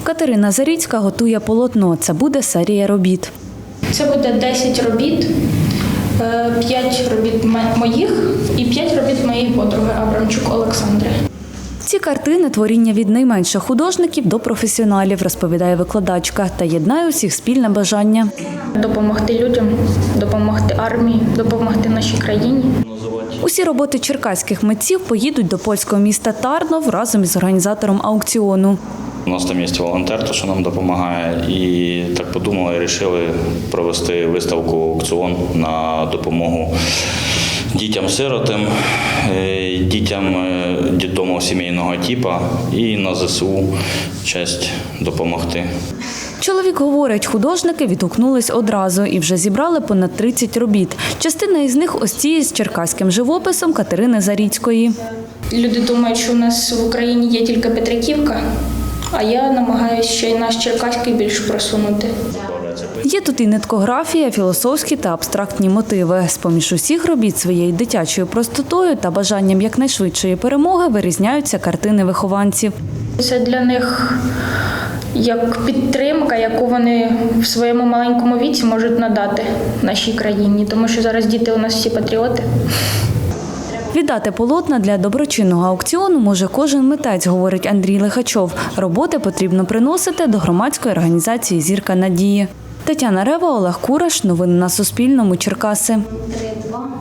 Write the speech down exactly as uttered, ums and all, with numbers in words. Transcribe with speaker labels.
Speaker 1: Катерина Заріцька готує полотно. Це буде серія робіт.
Speaker 2: Це буде десять робіт, п'ять робіт моїх і п'ять робіт моєї подруги Абрамчук Олександри.
Speaker 1: Ці картини – творіння від найменших художників до професіоналів, розповідає викладачка, та єднає усіх спільне бажання.
Speaker 2: Допомогти людям, допомогти армії, допомогти нашій країні.
Speaker 1: Усі роботи черкаських митців поїдуть до польського міста Тарнов разом із організатором аукціону.
Speaker 3: У нас там є волонтер, що нам допомагає, і так подумали і вирішили провести виставку аукціон на допомогу дітям-сиротам, дітям дитдому сімейного типу і на ЗСУ честь допомогти.
Speaker 1: Чоловік говорить, художники відгукнулись одразу і вже зібрали понад тридцять робіт. Частина із них ось ці з черкаським живописом Катерини Заріцької.
Speaker 2: Люди думають, що у нас в Україні є тільки Петриківка, а я намагаюся ще й наш черкаський більш просунути.
Speaker 1: Є тут і ниткографія, філософські та абстрактні мотиви. З-поміж усіх робіт своєю дитячою простотою та бажанням якнайшвидшої перемоги вирізняються картини вихованців.
Speaker 2: Це для них як підтримка, яку вони в своєму маленькому віці можуть надати нашій країні, тому що зараз діти у нас всі патріоти.
Speaker 1: Віддати полотна для доброчинного аукціону може кожен митець, говорить Андрій Лихачов. Роботи потрібно приносити до громадської організації «Зірка надії». Тетяна Рева, Олег Кураш. Новини на Суспільному. Черкаси.